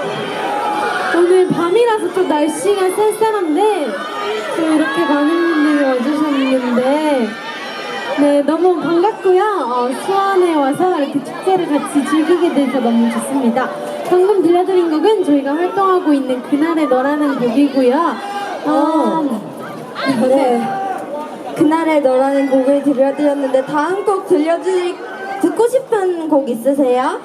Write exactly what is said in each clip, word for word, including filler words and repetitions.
오늘 밤이라서 좀 날씨가 쌀쌀한데 또 이렇게 많은 분들이 와주셨는데 네, 너무 반갑고요. 어, 수원에 와서 이렇게 축제를 같이 즐기게 돼서 너무 좋습니다. 방금 들려드린 곡은 저희가 활동하고 있는 그날의 너라는 곡이고요. 어, 네. 그날의 너라는 곡을 들려드렸는데 다음 곡 들려드리 듣고 싶은 곡 있으세요?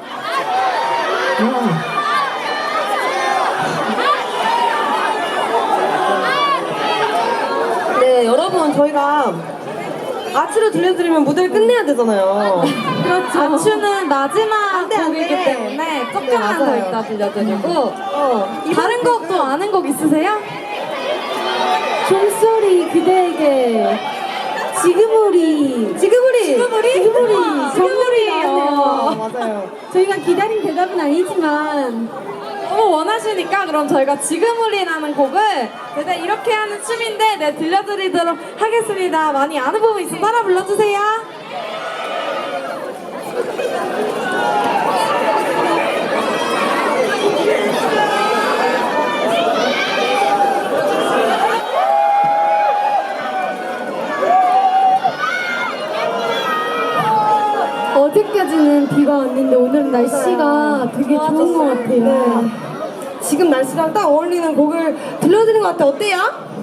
네, 여러분 저희가 아추를 들려드리면 무대를 끝내야 되잖아요. 그렇죠. 아추는 마지막 안 돼, 안 곡이기 돼. 때문에 조금만 네, 더 맞아요. 이따 들려드리고 어, 다른 곡도 아는 곡 있으세요? 종소리 그대에게 지금 우리 지금 우리 지금 우리 지금 우리 정우리 아, 나왔네요. 맞아요. 저희가 기다린 대답은 아니지만 너무 원하시니까 그럼 저희가 지금 우리라는 곡을 네, 이렇게 하는 춤인데 네, 들려드리도록 하겠습니다. 많이 아는 부분 있으면 따라 불러주세요. 어제까지는 비가 왔는데 오늘은 날씨가 되게 좋은 것 같아요. 네. 지금 날씨랑 딱 어울리는 곡을 들려드린 것 같아요. 어때요?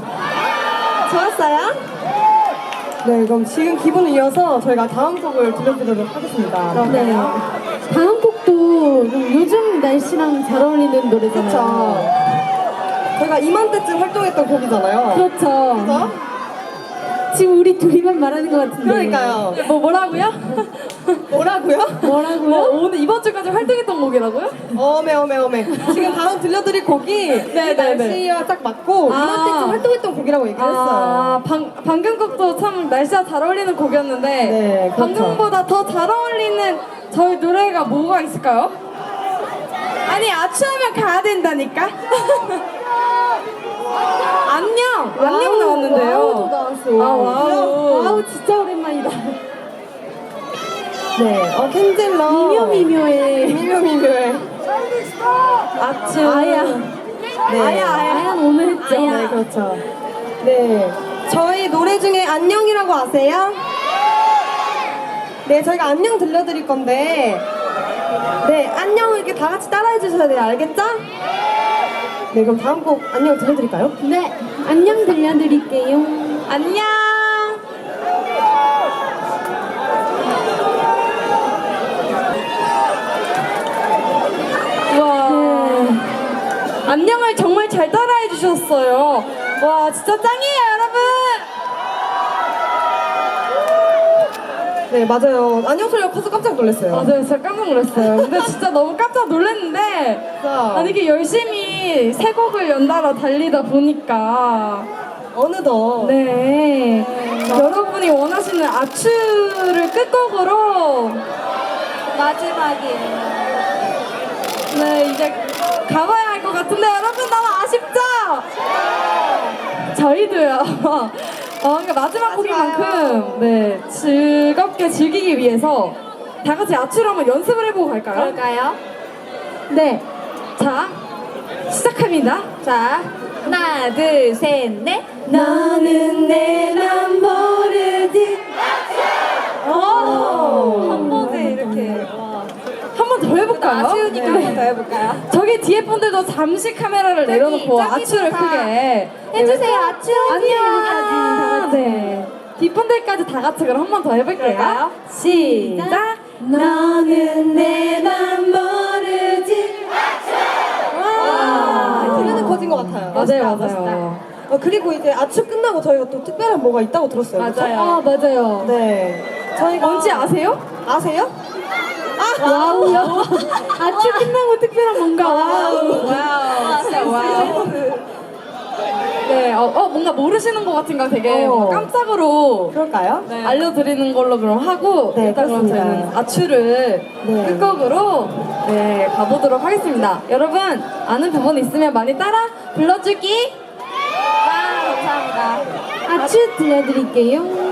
좋았어요? 네, 그럼 지금 기분을 이어서 저희가 다음 곡을 들려드리도록 하겠습니다. 네. 다음 곡도 좀 요즘 날씨랑 잘 어울리는 노래잖아요. 그렇죠. 저희가 이맘때쯤 활동했던 곡이잖아요. 그렇죠. 그죠? 지금 우리 둘이만 말하는 것 같은데. 그러니까요. 뭐 뭐라고요? 뭐라고요? 뭐라고요? 뭐, 오늘 이번 주까지 활동했던 곡이라고요? 어메 어메 어메. 지금 다음 들려드릴 곡이 네, 이 네, 날씨와 딱 맞고 아. 이맘때쯤 활동했던 곡이라고 얘기를 했어요. 아, 방, 방금 곡도 참 날씨와 잘 어울리는 곡이었는데 네, 그렇죠. 방금보다 더 잘 어울리는 저희 노래가 뭐가 있을까요? 아니 아추하면 가야 된다니까? 안녕! 안녕 나왔는데요. 와우도 나왔어. 아, 와우. 와우, 진짜 오랜만이다. 네, 어 켄젤러. 미묘미묘의 미묘미묘의. 아추. 아야. 네. 아야, 아야는 오늘 했죠. 네, 그렇죠. 네, 저희 노래 중에 안녕이라고 아세요? 네, 저희가 안녕 들려드릴 건데, 네, 안녕을 이렇게 다 같이 따라해 주셔야 돼요. 알겠죠? 네, 그럼 다음 곡 안녕 들려드릴까요? 네, 안녕 들려드릴게요. 안녕! 와. 네. 안녕을 정말 잘 따라해 주셨어요. 와, 진짜 짱이에요, 여러분! 네, 맞아요. 안녕 소리가 커서 깜짝 놀랐어요. 맞아요, 진짜 깜짝 놀랐어요. 근데 진짜 너무 깜짝 놀랐는데, 진짜. 아니, 이게 열심히 세 곡을 연달아 달리다 보니까, 어느덧. 네. 여러분이 원하시는 아추를 끝곡으로, 마지막이에요. 네, 이제 가봐야 할 것 같은데, 여러분 너무 아쉽죠? 저희도요. 어, 그러니까 마지막 곡인 만큼 네 즐겁게 즐기기 위해서 다 같이 아추를 한번 연습을 해보고 갈까요? 그럴까요? 네. 자, 시작합니다. 자, 하나, 둘, 셋, 넷. 너는 내 맘 모르지. 오! 한 번에 이렇게. 한 번 더 해볼까요? 아쉬우니까 네. 한 번 더 해볼까요? 저기 뒤에 분들도 잠시 카메라를 내려놓고 저기 아추를 다 크게 해주세요. 아추 안녕. 네. 뒷분들까지 다 같이 그럼 한 번 더 해볼게요. 그럴까요? 시작. 너는 내 맘 모르지. 아, 들리는 커진 것 같아요. 맞아요, 멋있다, 맞아요. 어, 그리고 이제 아추 끝나고 저희가 또 특별한 뭐가 있다고 들었어요. 그쵸? 아, 맞아요. 네. 저희가 뭔지 아세요? 아세요? 와우요. 아추 끝나고 특별한 뭔가 와우. 와우, 진짜 와우. 네, 어, 어, 뭔가 모르시는 것 같은가 되게 어. 뭔가 깜짝으로 그럴까요? 네, 알려드리는 걸로 그럼 하고 네, 일단 그럼 그렇습니다. 저희는 아추를 네. 끝곡으로 네, 가보도록 하겠습니다. 여러분 아는 부분 있으면 많이 따라 불러주기. 와, 감사합니다. 아추 들려드릴게요.